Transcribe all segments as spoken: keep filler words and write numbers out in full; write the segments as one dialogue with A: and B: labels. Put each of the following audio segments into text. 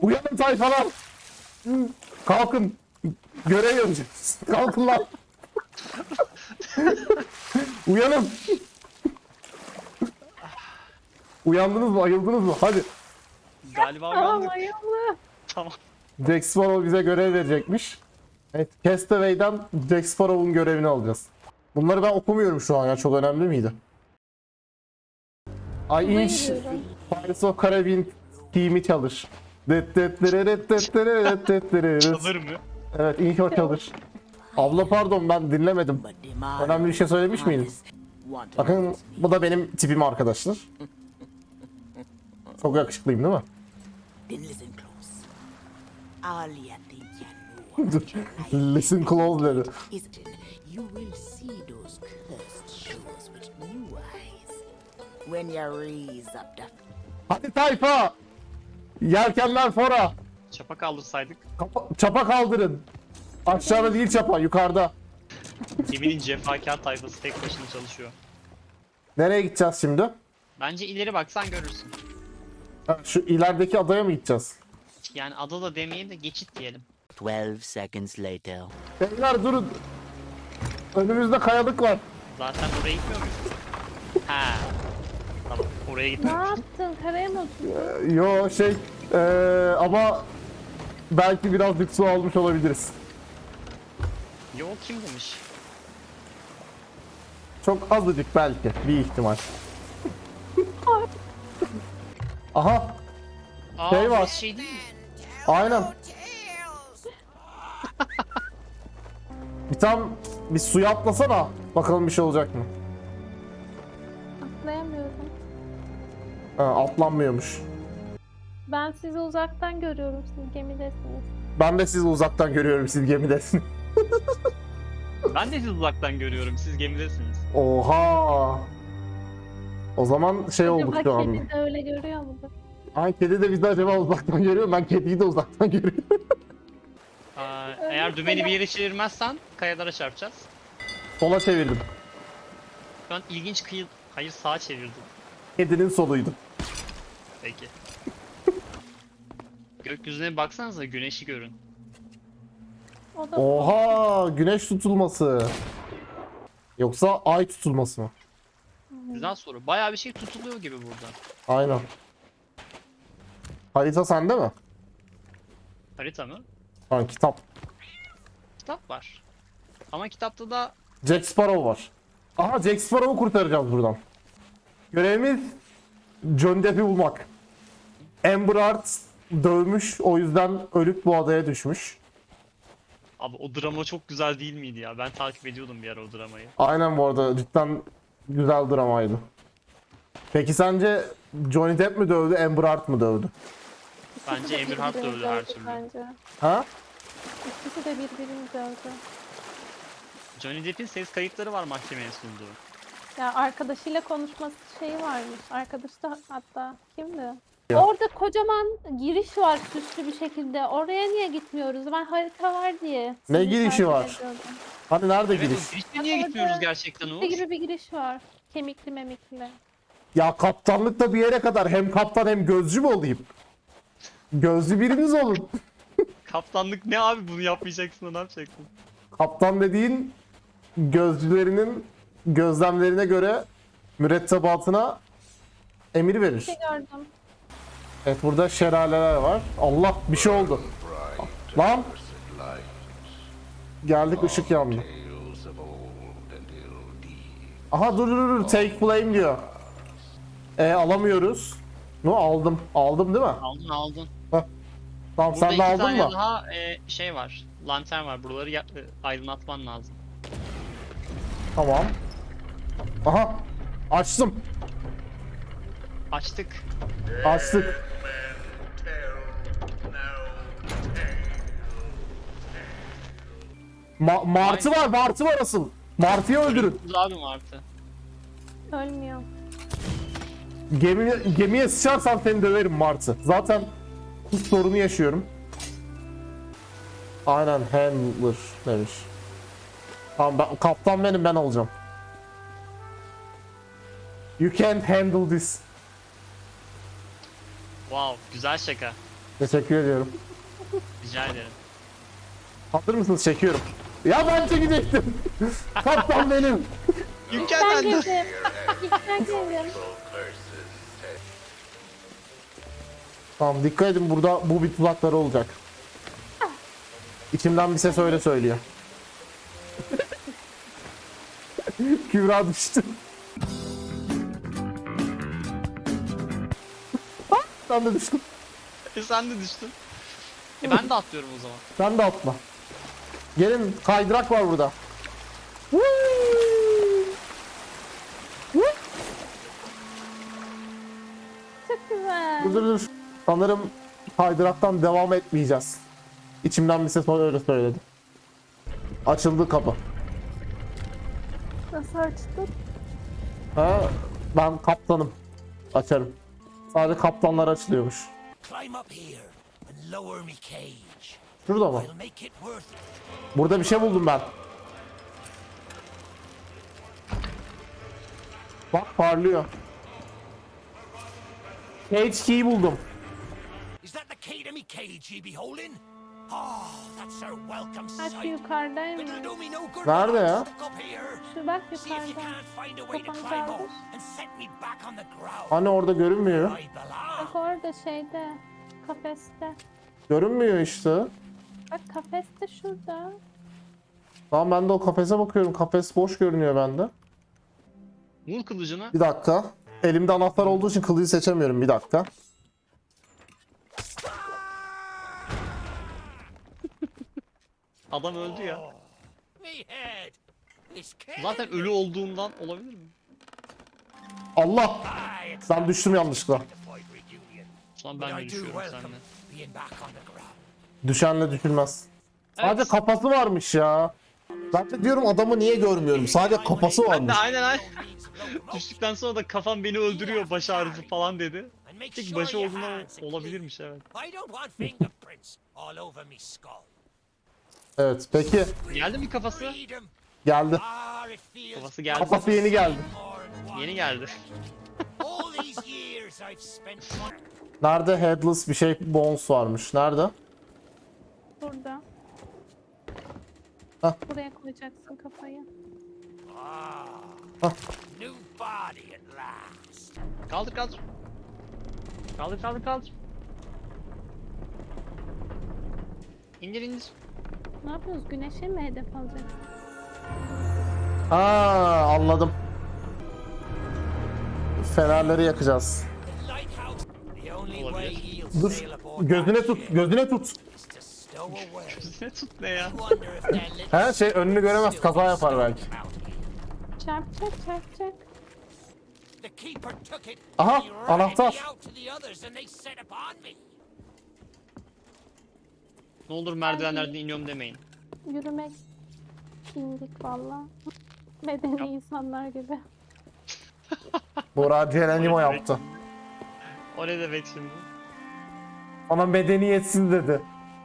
A: Uyanın tayfalar. Kalkın. Görev yapacağız. Kalkın lan. Uyanın. Uyandınız mı? Ayıldınız mı? Hadi.
B: Galiba
C: Tamam
B: uyandık.
C: ayıldı.
B: Tamam.
A: Jack Sparrow bize görev verecekmiş. Evet, Castaway'den Jack Sparrow'un görevini alacağız. Bunları ben okumuyorum şu an ya, çok önemli miydi? Ay inş
C: gidiyorum.
A: Pirates of Caribbean team'i çalış. Det det deret det deret det deret.
B: Çalır mı?
A: Evet, inş o çalış. Abla pardon, ben dinlemedim. Önemli bir şey söylemiş miydim? Bakın bu da benim tipim arkadaşlar. Çok yakışıklıyım değil mi?
D: Then listen close. All you think you know about your life
A: Listen close dedi.
D: is you will see those cursed shores with new eyes when you raise up the
A: Hadi tayfa! Yelkenler fora!
B: Çapa kaldırsaydık.
A: Kapa- çapa kaldırın. Aşağıda değil çapa, yukarıda.
B: Geminin cefakar tayfası tek başına çalışıyor.
A: Nereye gideceğiz şimdi?
B: Bence ileri baksan görürsün.
A: Ha, şu ilerideki adaya mı gideceğiz?
B: Yani ada da demeyelim de geçit diyelim.
D: Twelve seconds later.
A: Beyler durun. Önümüzde kayalık var.
B: Zaten oraya gitmiyor muyuz? Ha. Tamam, oraya
C: Ne
B: gitmiyoruz.
C: yaptın? Karaya mı oturdun?
A: Ee, Yo şey ee, ama belki birazcık su almış olabiliriz.
B: Yo, kim demiş?
A: Çok azıcık belki, bir ihtimal. Aha,
B: Aa,
A: Şey var.
B: burası şey değil mi?
A: aynen. Bir tam bir suya atlasana. Bakalım bir şey olacak mı?
C: Atlayamıyorum.
A: Ha, atlanmıyormuş.
C: Ben sizi uzaktan görüyorum. Siz gemidesiniz.
A: Ben de sizi uzaktan görüyorum, siz gemidesiniz.
B: Ben de sizi uzaktan görüyorum. Siz gemidesiniz.
A: Oha. O zaman şey olduk
C: Acaba
A: şu anda.
C: kedi de öyle görüyor mudur?
A: Ay, kedi de bizi acaba uzaktan görüyor mu? Ben kediyi de uzaktan görüyorum.
B: Aa, eğer dümeni bir yere çevirmezsen kayalara çarpacağız.
A: Sola çevirdim.
B: Şu an ilginç kıyı... Hayır, sağa çevirdim.
A: Kedinin soluydu.
B: Peki. Gökyüzüne baksanıza, güneşi görün.
C: O da
A: Oha, güneş tutulması. Yoksa ay tutulması mı?
B: Güzel soru. Bayağı bir şey tutuluyor gibi burada.
A: Aynen. Harita sende mi?
B: Harita mı?
A: Ha, kitap.
B: Kitap var. Ama kitapta da
A: Jack Sparrow var. Aha, Jack Sparrow'u kurtaracağız buradan. Görevimiz Johnny Depp'i bulmak. Amber Heard dövmüş, o yüzden ölüp bu adaya düşmüş.
B: abi o drama çok güzel değil miydi ya? Ben takip ediyordum bir ara o dramayı.
A: Aynen, bu arada cidden güzel dramaydı. Peki sence Johnny Depp mi dövdü, Amber Heard mı dövdü?
B: Bence Emir Hart da öldü her türlü.
C: Bence.
A: Ha?
C: İkisi de birbirini dövdü.
B: Johnny Depp'in ses kayıtları var mahkemeye sunduğu.
C: Ya arkadaşıyla konuşması şeyi varmış. Arkadaşı da hatta kimdi?
A: Ya.
C: Orada kocaman giriş var süslü bir şekilde. Oraya niye gitmiyoruz? Ben harita var diye.
A: Ne
C: sizi
A: girişi
C: takip
A: var?
C: ediyordum.
A: Hani nerede
B: Evet,
A: giriş?
B: o girişte niye gitmiyoruz gerçekten Uğur?
C: Ne gibi bir giriş var? Kemikli memikli.
A: Ya kaptanlıkta bir yere kadar hem kaptan hem gözcü mü olayım? Gözcü biriniz olun.
B: Kaptanlık ne abi, bunu yapmayacaksın da ne yapacaksın?
A: Kaptan dediğin gözcülerinin gözlemlerine göre mürettebatına emir verir.
C: Bir şey gördüm.
A: Evet, burada şelaleler var. Allah, bir şey oldu. Lan. Geldik, ışık yandı. Aha, dur dur dur, take blame diyor. E alamıyoruz. No, aldım. Aldım değil mi?
B: Aldın aldın.
A: Tamam,
B: Burada
A: sen de
B: iki
A: aldın
B: tane
A: mı?
B: daha e, şey var. Lantern var. Buraları ya- e, aydınlatman lazım.
A: Tamam. Aha. Açtım.
B: Açtık.
A: Açtık. Ma Martı var, Martı var asıl. Martı'yı öldürün.
B: Öldürürüz abi Martı.
C: Ölmüyor.
A: Gemiye, gemiye sıçarsan seni döverim Martı. Zaten bu sorunu yaşıyorum. Aynen, handler demiş. Tamam, ben, kaptan benim, ben olacağım. You can't handle this.
B: Wow, güzel şaka.
A: Teşekkür ediyorum.
B: Rica ederim.
A: Hazır mısınız? Çekiyorum. Ya ben çekecektim. Kaptan benim.
B: Yüken
C: Ben
B: bende.
C: girdim. İlk ben girdim.
A: Tamam dikkat edin, burada bu bir tuzakları olacak. İçimden bir ses öyle söylüyor. Kübra düştü. Ah, ben de düştüm.
B: E sen de düştün. E ben de atlıyorum o zaman.
A: Sen de atla. Gelin, kaydırak var burada.
C: Çok güzel.
A: Dur dur dur. Sanırım kaydıraktan devam etmeyeceğiz. İçimden bir ses öyle söyledi. Açıldı kapı.
C: Nasıl açtın?
A: Ha, ben kaptanım. Açarım. Sadece kaptanlar açılıyormuş.
E: Climb up here and lower me cage.
A: Şurada mı?
E: I'll make it worth it.
A: Burada bir şey buldum ben. Bak parlıyor. Cage key buldum.
E: Is that the key to me cage ye be holding? Oh, that's our welcome
C: Bak
E: sight.
C: yukarıdaymış.
E: It'll do me no good.
A: Nerede
E: to
A: ya?
E: stuck up here.
C: Şu bak
E: See if you
C: yukarıda.
E: can't find a way to
C: Kafanı
E: climb
C: kaldır.
E: up and set me back on the ground.
A: Hani orada görünmüyor.
E: I belong.
C: Bak orada şeyde. Kafeste.
A: Görünmüyor işte.
C: Bak kafeste şurada.
A: Tamam ben de o kafese bakıyorum. Kafes boş görünüyor bende.
B: Vur kılıcını.
A: Bir dakika. Elimde anahtar olduğu için kılıcı seçemiyorum. Bir dakika.
B: Adam öldü ya.
E: Me head. It's
B: Zaten ölü olduğundan olabilir mi?
A: Allah!
E: Aye, it's
A: Ben düştüm yanlışlıkla.
E: to fight reunion.
B: Şu an
E: But
B: ben de
E: I do
B: düşüyorum
E: welcome
B: seninle.
E: being back on the ground.
A: Düşenle düşülmez. Sadece
B: Evet.
A: kafası varmış ya. Ben de diyorum adamı niye görmüyorum? Sadece kafası
B: Ben de
A: varmış.
B: aynen aynen.
E: No means locomotive.
B: Düştükten sonra da kafam beni öldürüyor, baş ağrısı falan dedi.
E: And make
B: Tek
E: sure
B: başı
E: your
B: olduğundan
E: hands are clean.
B: olabilirmiş evet.
E: I don't want fingerprints all over me skull.
A: Evet peki
B: Geldi mi kafası?
E: Freedom.
A: geldi.
E: Ah, it feels
B: Kafası geldi.
A: Kafası yeni geldi.
E: more than
B: Yeni geldi.
E: all these years I've spent wondering.
A: Nerede headless bir şey bones varmış? Nerede?
C: Burada.
A: Hah.
C: Buraya koyacaksın kafayı.
E: Ah, new body at last.
B: Kaldır kaldır. Kaldır kaldır kaldır. İndir indir.
C: Ne yapıyoruz? Güneşe mi hedef alacaksın?
A: Ha anladım. Fenerleri yakacağız.
E: The lighthouse. The only way
B: Olabilir.
E: you'll
A: Dur.
E: sail aboard
A: Gözüne
E: that
A: tut.
E: ship
A: Gözüne tut.
E: is to stow away.
B: Ne tut ne ya?
E: Wonder if that little
A: He şey önünü göremez. Kaza yapar belki.
C: Çarpacak çarpacak.
E: The keeper took it.
A: Aha,
E: He ratted
A: anahtar.
E: me out to the others and they set upon me.
B: Ne olur merdivenlerden iniyorum demeyin.
C: Yürümek indik valla. Medeni insanlar gibi.
A: Burak Cerenimo yaptı.
B: O ne demek şimdi?
A: Ona medeniyetsiz dedi.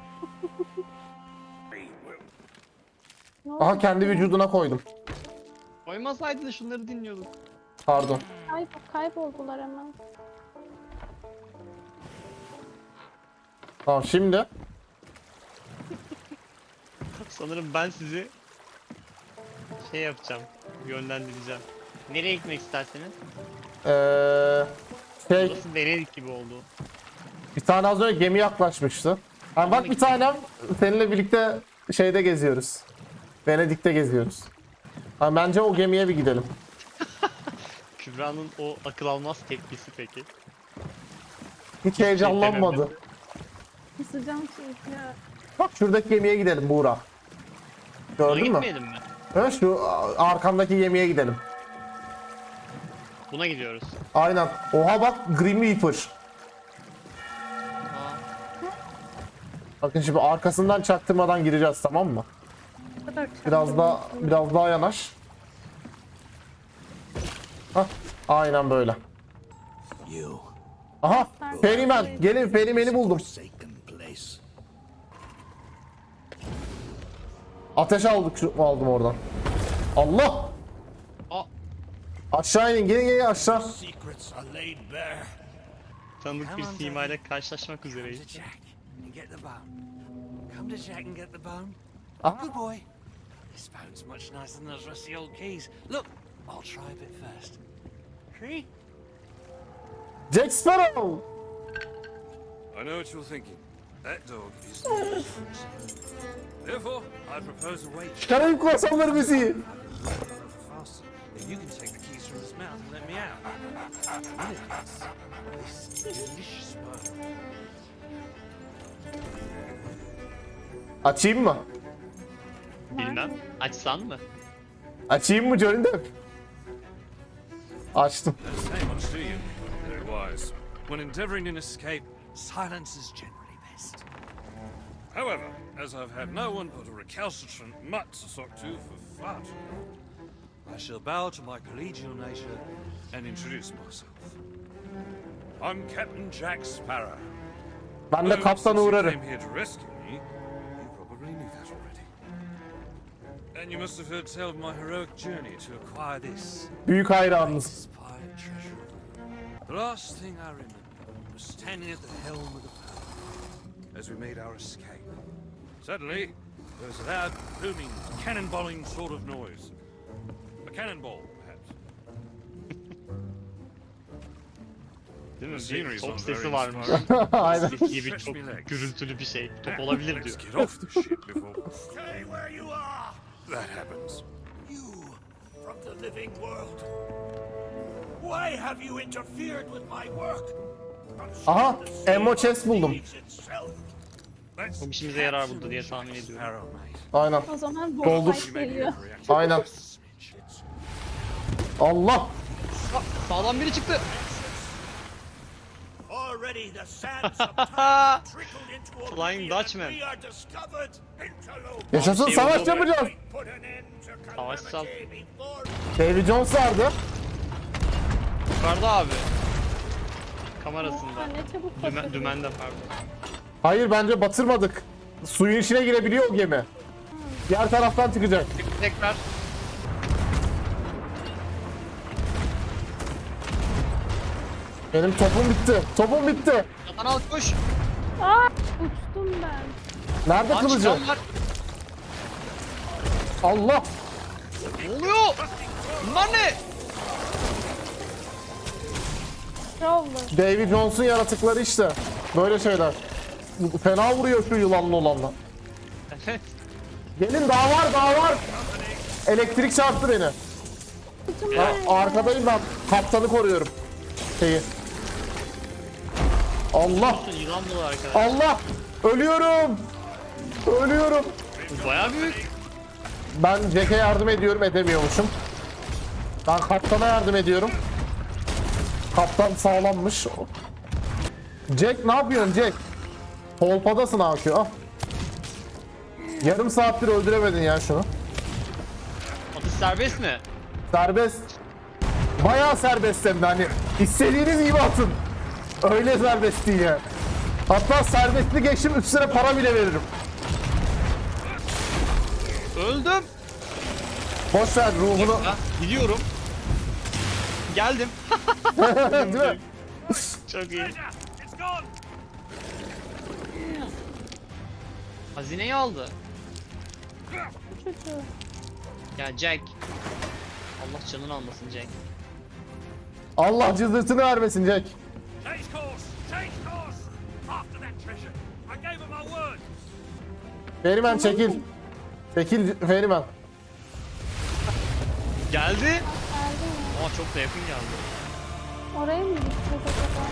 C: Ne oldu?
A: Aha kendi vücuduna koydum.
B: Koymasaydın da şunları dinliyorduk.
A: Pardon.
C: Kayb kayboldular hemen.
A: Tamam şimdi.
B: Sanırım ben sizi şey yapacağım, yönlendireceğim. Nereye gitmek isterseniz?
A: Ee, şey
B: Burası Venedik gibi oldu.
A: bir tane az önce gemi yaklaşmıştı. Ha, bak bir tanem seninle birlikte şeyde geziyoruz. Venedik'te geziyoruz. Ha, bence o gemiye bir gidelim.
B: Kübra'nın o akıl almaz tepkisi peki.
A: Hiç heyecanlanmadı.
B: dememesi.
C: Kısacağım çünkü.
A: Bak şuradaki gemiye gidelim Buğra.
B: Ona
A: Gördün mü?
B: gitmeyelim mi?
A: Ha, şu arkamdaki gemiye gidelim.
B: Buna gidiyoruz.
A: Aynen. Oha bak Grim Reaper.
B: Aa,
A: Bakın şimdi arkasından çaktırmadan gireceğiz, tamam mı?
C: Bu kadar
A: Biraz daha biraz daha yanaş. Hah, aynen böyle.
F: You
A: Aha, Ferimen. Gelin, Ferimen'i buldum.
F: forsaken place.
A: Ateş aldık, şu aldım oradan. Allah!
B: Aa,
A: Aşağı inin, gelin gelin aşağı.
F: Secrets are laid bare.
B: Tanıdık bir
E: Come on,
B: simayla
E: Daddy.
B: karşılaşmak
E: Come
B: üzereyiz.
E: to Jack and get the bone. Come to Jack and get the bone.
A: Aha.
E: Good boy. This bone's much nicer than those rusty old keys. Look, I'll try a bit first. See?
A: Jack Sparrow.
G: I know what you're thinking. That dog is dangerous. Therefore, I propose a way to
A: Karayip korsanları müziği.
E: faster. Then you can take the keys from his mouth and let me out. When it does, this delicious bone.
A: Açayım mı?
B: Bilmem. Açsan mı?
A: Açayım mı Johnny Depp? Açtım.
G: say much to you. Very wise. When endeavoring an escape,
E: Silence is generally best.
G: however, as I've had no one but a recalcitrant mutt to sock to for far too long,
E: I shall bow to my collegial nature.
G: and introduce myself. I'm Captain Jack Sparrow.
A: Ben de
G: Though,
A: kaptana
G: since you
A: uğrarım.
G: came here to rescue me, you probably knew that already. And you must have heard tell of my heroic journey to acquire this
A: Büyük hayranınız.
E: greatest pirate treasure of all. The last thing I remember was standing at the helm of the boat
G: as we made our escape. Suddenly, there was a loud, booming, cannonballing sort of noise. A cannonball, perhaps.
B: Değil mi?
G: Scenery's
B: Bir top
G: not
B: sesi
G: very
B: var mı?
G: inspiring.
A: Aynen.
B: Gibi çok gürültülü bir şey. Top olabilir
G: Let's
B: diyor.
G: get off the ship before
E: Stay where you are!
G: that happens.
E: You from the living world. Why have you interfered with my work?
A: Aha, ammo chest buldum.
G: That's
B: Çok işimize yarar burada diye tahmin ediyorum.
E: Sparrow, mate.
A: Aynen.
C: O zaman
A: Doldur.
C: boss fight geliyor.
A: Aynen. Allah.
B: Sağdan biri çıktı.
E: Already the sands of time trickled into
B: Flying
E: oblivion
B: Dutchman.
E: and we are discovered. Interloper.
A: Yaşasın
B: Şey
A: savaş
B: oldu.
A: yapacağız.
E: Put an end to
B: Savaşsal.
E: calamity before
A: Davy Jones vardı.
B: Yukarıda abi.
C: Aa,
B: Kamerasında.
C: ne çabuk
B: Dümen,
C: patladı.
B: dümende pardon.
A: Hayır bence batırmadık. Suyun içine girebiliyor o gemi. Diğer taraftan çıkacak.
B: Tekrar.
A: Benim topum bitti. Topum bitti.
B: Yatan al koş.
C: Aa, uçtum ben.
A: Nerede
B: Aç
A: kılıcı?
B: can var.
A: Allah.
B: Ne oluyor? Bunlar ne?
C: Ne oldu?
A: Davy Jones'un yaratıkları işte. Böyle şeyler. Fena vuruyor şu yılanlı olanla.
B: Evet.
A: Gelin daha var daha var. Elektrik çarptı beni.
C: Uçtum
A: Ha,
C: ben.
A: arkadayım ben. Kaptanı koruyorum. Şeyi. Allah.
B: Yılan dolu arkadaşlar.
A: Allah. Ölüyorum. Ölüyorum.
B: Bu bayağı büyük.
A: Ben Jack'e yardım ediyorum edemiyormuşum. Ben kaptana yardım ediyorum. Kaptan sağlammış. Jack ne yapıyorsun Jack? Polpadasın abi. Ah. Yarım saattir öldüremedin ya şunu.
B: Atış serbest mi?
A: Serbest. Bayağı serbest hem de hani istediğiniz gibi atın. Öyle serbest değil ya. Hatta serbestli geçtim üstüne para bile veririm.
B: Öldüm.
A: Boş ver ruhunu.
B: Ha, gidiyorum. Geldim.
A: Değil mi?
B: Çok iyi. Hazineyi aldı.
C: Çocuğu.
B: Ya Jack. Allah canını almasın Jack.
A: Allah cızırtını vermesin Jack.
E: Change course! Change course! After that treasure, I gave him my word.
A: Ferimen çekil. Çekil Ferimen.
B: Geldi.
C: Geldi mi?
B: Ama çok da yakın geldi.
C: Oraya mı gideceğiz acaba?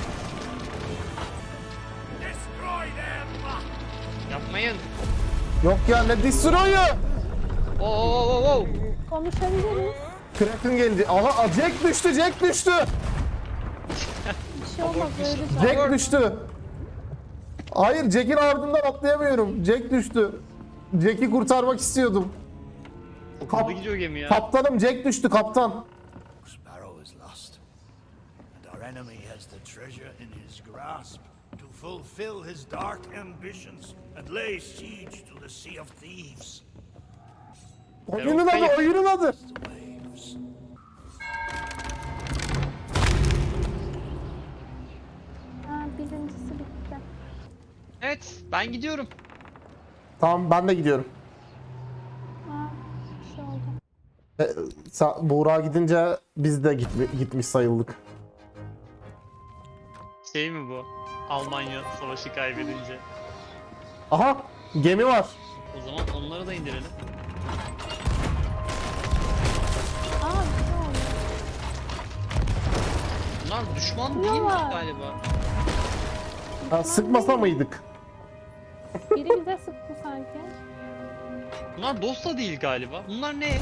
E: Destroy them!
B: Yapmayın.
A: Yok ya ne destroyu?
B: Oo oo oo oo.
C: Konuşabiliriz.
A: Kraken geldi. Aha Jack düştü Jack düştü.
C: Bir şey olmaz öleceğim.
A: Jack düştü. Hayır Jack'in ardından atlayamıyorum. Jack düştü. Jack'i kurtarmak istiyordum.
B: Çok hızlı gidiyor gemi ya.
A: Kaptanım Jack düştü kaptan.
F: Sparrow is lost, and our enemy has the treasure in his grasp to fulfill his dark ambitions and lay siege to the Sea of Thieves.
A: Oyunun adı oyunun adı.
F: Waves.
C: Ha,
B: Evet, ben gidiyorum.
A: Tamam ben de gidiyorum.
C: Aa, bir şey oldu.
A: E, sa- Buğra gidince biz de gitmi- gitmiş sayıldık.
B: Şey mi bu? Almanya savaşı kaybedince.
A: Aha gemi var.
B: O zaman onları da indirelim.
C: Aa, bir şey oldu.
B: Bunlar düşman değilmiş
C: Yalan.
B: galiba.
A: Ha, sıkmasa mıydık?
C: Biri bize sıktı sanki.
B: Bunlar dost da değil galiba. Bunlar ne?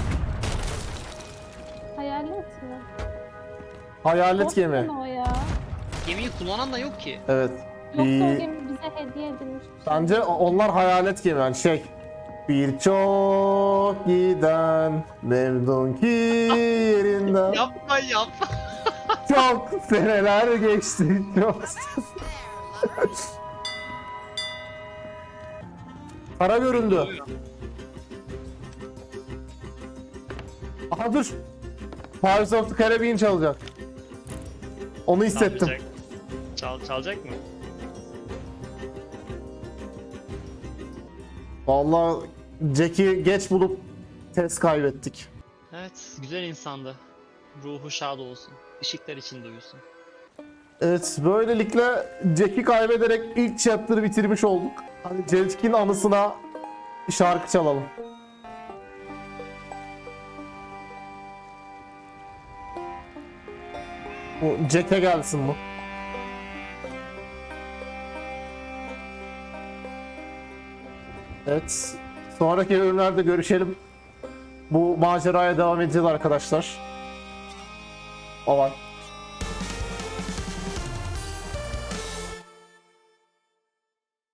C: Hayalet mi?
A: Hayalet
C: Dost
A: gemi.
C: mu o ya?
B: Gemiyi kullanan da yok ki.
A: Evet.
C: Yoksa o
A: Bir-
C: gemi bize hediye edilmiş. bir şey.
A: Bence o- onlar hayalet gemi yani şey. Birçok giden memnun ki yerinden.
B: Yapma yapma.
A: Çok seneler geçti. Çok. Para göründü. Aha dur. Pirates of the Caribbean çalacak. Onu hissettim.
B: Çalacak. Çal, çalacak mı?
A: Vallahi Jack'i geç bulup test kaybettik.
B: Evet, güzel insandı. Ruhu şad olsun. Işıklar içinde uyusun.
A: Evet, böylelikle Jack'i kaybederek ilk chapter'ı bitirmiş olduk. Hadi Jack'in anısına şarkı çalalım. Bu Jack'e gelsin bu. Evet, sonraki bölümlerde görüşelim. Bu maceraya devam edeceğiz arkadaşlar. Bye bye.